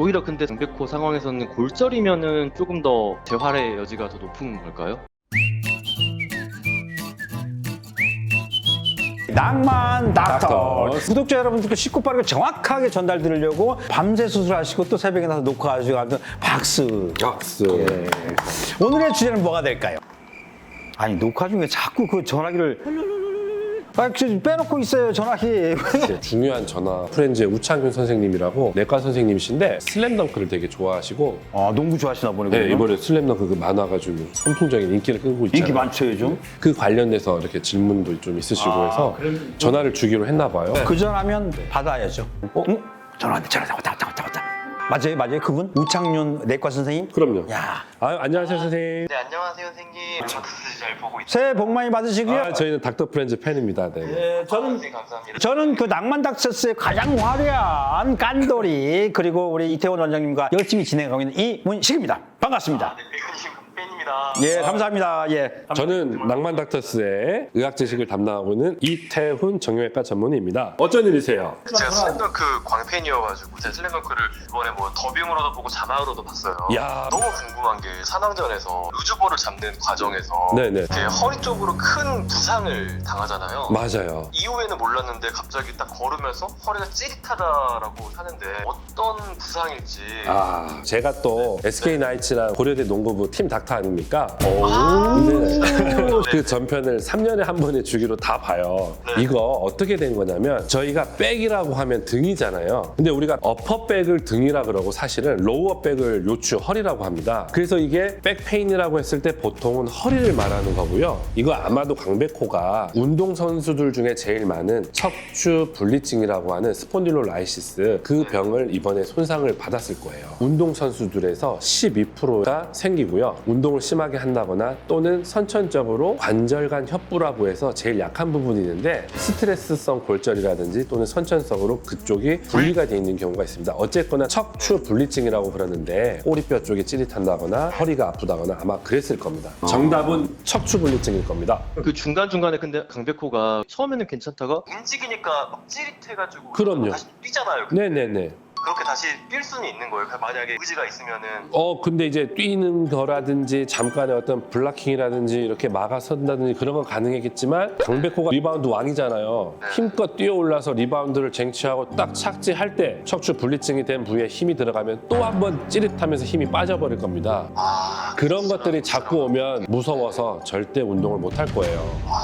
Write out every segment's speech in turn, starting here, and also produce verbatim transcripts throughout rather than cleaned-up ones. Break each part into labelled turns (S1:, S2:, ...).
S1: 오히려 근데 강백호 상황에서는 골절이면은 조금 더 재활의 여지가 더 높은 걸까요?
S2: 낭만 닥터.
S3: 닥터.
S2: 구독자 여러분들께 쉽고 빠르게 정확하게 전달드리려고 밤새 수술하시고 또 새벽에 나서 녹화하시고 하는 박수.
S3: 박수.
S2: 예. 오늘의 주제는 뭐가 될까요? 아니 녹화 중에 자꾸 그 전화기를 아, 빼놓고 있어요 전화기.
S3: 중요한 전화 프렌즈의 우창균 선생님이라고 내과 선생님이신데 슬램덩크를 되게 좋아하시고
S2: 아 농구 좋아하시나 보네.
S3: 네,
S2: 그러면?
S3: 이번에 슬램덩크 그 만화가 좀 선풍적인 인기를 끌고 있잖아요.
S2: 인기 많죠 요즘.
S3: 그 관련돼서 이렇게 질문도 좀 있으시고
S2: 아,
S3: 해서 전화를 주기로 했나 봐요.
S2: 그 전화면 받아야죠. 어? 응? 전화 왔네 전화 왔다 왔다 왔다 왔다. 맞아요 맞아요 그분 우창윤 내과 선생님.
S3: 그럼요.
S2: 야
S3: 아유, 안녕하세요 선생님.
S1: 네, 안녕하세요 선생님. 닥터 잘 보고 있어요.
S2: 새해 복 많이 받으시고요.
S3: 아, 저희는 닥터 프렌즈 팬입니다. 네.
S2: 예, 저는
S1: 감사합니다.
S2: 저는 그 낭만 닥터스의 가장 화려한 깐돌이 그리고 우리 이태원 원장님과 열심히 진행하고 있는 이문식입니다. 반갑습니다.
S1: 백근님 팬입니다.
S2: 예, 감사합니다. 예.
S3: 저는 낭만 닥터스의 의학 지식을 담당하고 있는 이태훈 정형외과 전문의입니다. 어쩐 일이세요?
S1: 제가 슬램덩크 광팬이어가지고 제가 슬램덩크를 이번에 뭐 더빙으로도 보고 자막으로도 봤어요.
S3: 야.
S1: 너무 궁금한 게 산왕전에서 우주볼을 잡는 과정에서
S3: 네네.
S1: 이렇게 허리 쪽으로 큰 부상을 당하잖아요.
S3: 맞아요.
S1: 이후에는 몰랐는데 갑자기 딱 걸으면서 허리가 찌릿하다라고 하는데 어떤 부상일지.
S3: 아, 제가 또 에스케이 나이츠랑 고려대 농구부 팀 닥터 아닙니까?
S1: 아.
S3: 네. 그 전편을 삼 년에 한 번의 주기로 다 봐요.
S1: 네.
S3: 이거 어떻게 된 거냐면 저희가 백이라고 하면 등이잖아요. 근데 우리가 어퍼백을 등이라 그러고 사실은 로어백을 요추 허리라고 합니다. 그래서 이게 백페인이라고 했을 때 보통은 허리를 말하는 거고요. 이거 아마도 강백호가 운동선수들 중에 제일 많은 척추 분리증이라고 하는 스폰딜로라이시스 그 병을 이번에 손상을 받았을 거예요. 운동선수들에서 십이 퍼센트가 생기고요. 운동을 심하게 한다거나 또는 선천적으로 관절간 협부라고 해서 제일 약한 부분이 있는데 스트레스성 골절이라든지 또는 선천성으로 그쪽이 분리가 돼 있는 경우가 있습니다. 어쨌거나 척추 분리증이라고 그러는데 꼬리뼈 쪽이 찌릿한다거나 허리가 아프다거나 아마 그랬을 겁니다. 정답은 척추 분리증일 겁니다.
S1: 그 중간중간에 근데 강백호가 처음에는 괜찮다가 움직이니까 막 찌릿해가지고
S3: 그럼요.
S1: 다시 뛰잖아요.
S3: 네네네.
S1: 그렇게 다시 뛸 수는 있는 거예요. 만약에 의지가 있으면은.
S3: 어 근데 이제 뛰는 거라든지 잠깐의 어떤 블락킹이라든지 이렇게 막아선다든지 그런 건 가능했겠지만 강백호가 리바운드 왕이잖아요. 힘껏 뛰어올라서 리바운드를 쟁취하고 딱 착지할 때 척추 분리증이 된 부위에 힘이 들어가면 또 한 번 찌릿하면서 힘이 빠져버릴 겁니다.
S1: 아,
S3: 그런 것들이 자꾸 오면 무서워서 절대 운동을 못 할 거예요.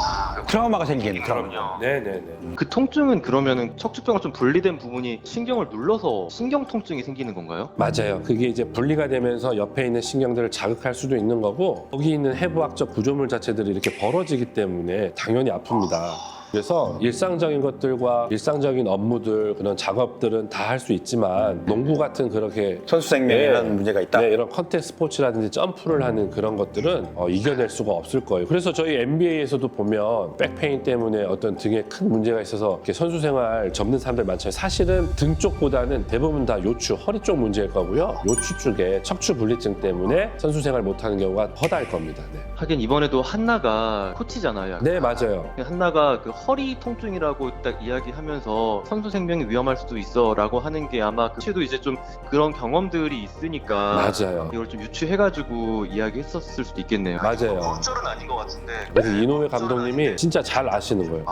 S2: 트라우마가 생기는 트라우마.
S1: 그럼요.
S3: 네네네.
S1: 그 통증은 그러면은 척추뼈가 좀 분리된 부분이 신경을 눌러서 신경 통증이 생기는 건가요?
S3: 맞아요. 그게 이제 분리가 되면서 옆에 있는 신경들을 자극할 수도 있는 거고 거기 있는 해부학적 구조물 자체들이 이렇게 벌어지기 때문에 당연히 아픕니다. 그래서 일상적인 것들과 일상적인 업무들 그런 작업들은 다 할 수 있지만 농구 같은 그렇게
S2: 선수 생명에는
S3: 네.
S2: 문제가 있다.
S3: 네, 이런 컨택 스포츠라든지 점프를 하는 그런 것들은 어, 이겨낼 수가 없을 거예요. 그래서 저희 엔비에이에서도 보면 백페인 때문에 어떤 등에 큰 문제가 있어서 이렇게 선수 생활 접는 사람들 많잖아요. 사실은 등 쪽보다는 대부분 다 요추, 허리 쪽 문제일 거고요. 요추 쪽에 척추 분리증 때문에 선수 생활 못하는 경우가 허다할 겁니다. 네,
S1: 하긴 이번에도 한나가 코치잖아요. 약간.
S3: 네 맞아요.
S1: 한나가 그 허리 통증이라고 딱 이야기하면서 선수 생명이 위험할 수도 있어라고 하는 게 아마 그 코치도 이제 좀 그런 경험들이 있으니까
S3: 맞아요.
S1: 이걸 좀 유추해가지고 이야기했었을 수도 있겠네요.
S3: 맞아요.
S1: 골절은 아닌 것 같은데.
S3: 그래서 이노ue 감독님이 진짜 잘 아시는 거예요.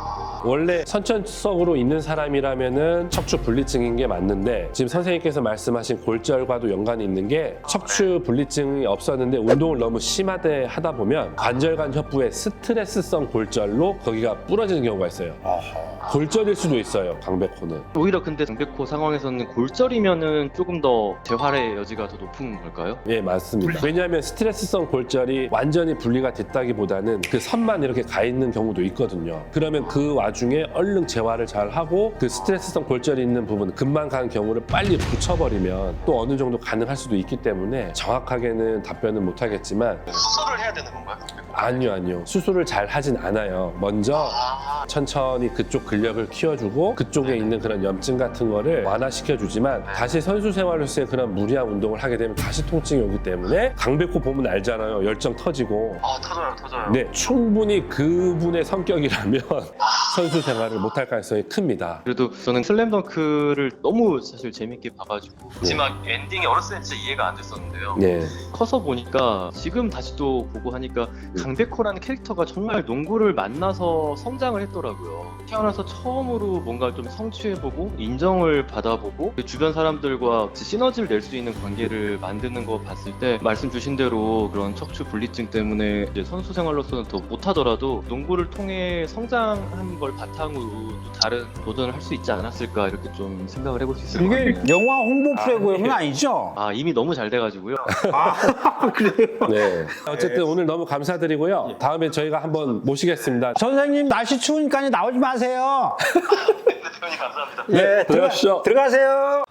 S3: 원래 선천성으로 있는 사람이라면은 척추 분리증인 게 맞는데 지금 선생님께서 말씀하신 골절과도 연관이 있는 게 척추 분리증이 없었는데 운동을 너무 심하게 하다 보면 관절간 협부의 스트레스성 골절로 거기가 부러지는 경우가 있어요. 골절일 수도 있어요. 강백호는.
S1: 오히려 근데 강백호 상황에서는 골절이면은 조금 더 재활의 여지가 더 높은 걸까요?
S3: 예, 맞습니다. 왜냐하면 스트레스성 골절이 완전히 분리가 됐다기보다는 그 선만 이렇게 가 있는 경우도 있거든요. 그러면 그 와중에 얼른 재활을 잘 하고 그 스트레스성 골절이 있는 부분, 금방 가는 경우를 빨리 붙여버리면 또 어느 정도 가능할 수도 있기 때문에 정확하게는 답변은 못하겠지만
S1: 수술을 해야 되는 건가요?
S3: 아니요, 아니요. 수술을 잘 하진 않아요. 먼저 천천히 그쪽 근력을 키워주고 그쪽에 있는 그런 염증 같은 거를 완화시켜주지만 다시 선수 생활로서의 그런 무리한 운동을 하게 되면 다시 통증이 오기 때문에 강백호 보면 알잖아요. 열정 터지고.
S1: 아 터져요 터져요.
S3: 네, 충분히 그분의 성격이라면 선수 생활을 못할 가능성이 큽니다.
S1: 그래도 저는 슬램덩크를 너무 사실 재밌게 봐가지고 마지막 엔딩이 어렸을 때 진짜 이해가 안 됐었는데요.
S3: 네.
S1: 커서 보니까 지금 다시 또 보고 하니까 강백호라는 캐릭터가 정말 농구를 만나서 성장을 했더라고요. 태어나서 처음으로 뭔가 좀 성취해보고 인정을 받아보고 주변 사람들과 시너지를 낼 수 있는 관계를 만드는 거 봤을 때 말씀 주신 대로 그런 척추 분리증 때문에 이제 선수 생활로서는 더 못하더라도 농구를 통해 성장한 걸 바탕으로 또 다른 도전을 할 수 있지 않았을까 이렇게 좀 생각을 해볼 수 있을 것
S2: 이게
S1: 같네요.
S2: 영화 홍보 프로그램은
S1: 아,
S2: 아, 아니죠?
S1: 아 이미 너무 잘 돼가지고요.
S2: 아, 그래요?
S3: 네. 어쨌든 오늘 너무 감사드리고요. 다음에 저희가 한번 모시겠습니다.
S2: 선생님, 날씨 추우니까 나오지 마세요.
S1: 대표님 감사합니다.
S2: 네,
S3: 들어가시죠.
S2: 들어가세요.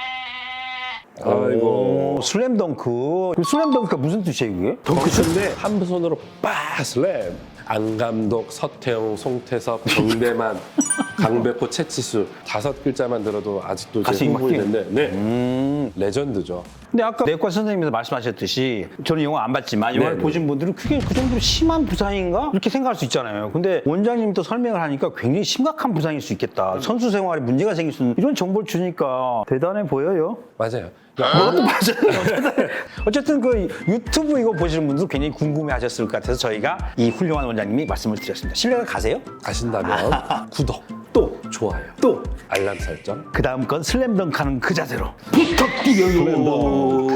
S3: 아이고.
S2: 오, 슬램덩크. 그 슬램덩크가 무슨 뜻이에요, 그게?
S3: 덩크인데 한 손으로 빠 슬램. 안감독, 서태웅, 송태섭, 정대만, 강백호, 채치수 다섯 글자만 들어도 아직도 이제
S2: 가슴이
S3: 흥분이
S2: 막히네.
S3: 되는데 네.
S2: 음.
S3: 레전드죠.
S2: 근데 아까 내과 선생님께서 말씀하셨듯이 저는 영화 안 봤지만 영화를
S3: 네네.
S2: 보신 분들은 그게 그 정도로 심한 부상인가? 이렇게 생각할 수 있잖아요. 근데 원장님도 설명을 하니까 굉장히 심각한 부상일 수 있겠다. 선수 생활에 문제가 생길 수 있는 이런 정보를 주니까 대단해 보여요.
S3: 맞아요.
S2: 그것도 맞아요. 어쨌든 그 유튜브 이거 보시는 분들 굉장히 궁금해 하셨을 것 같아서 저희가 이 훌륭한 원장님이 말씀을 드렸습니다. 신뢰가 가세요?
S3: 가신다면 구독,
S2: 또,
S3: 좋아요,
S2: 또.
S3: 알람 설정.
S2: 그 다음 건 슬램덩크 하는 그 자세로 부탁드려요.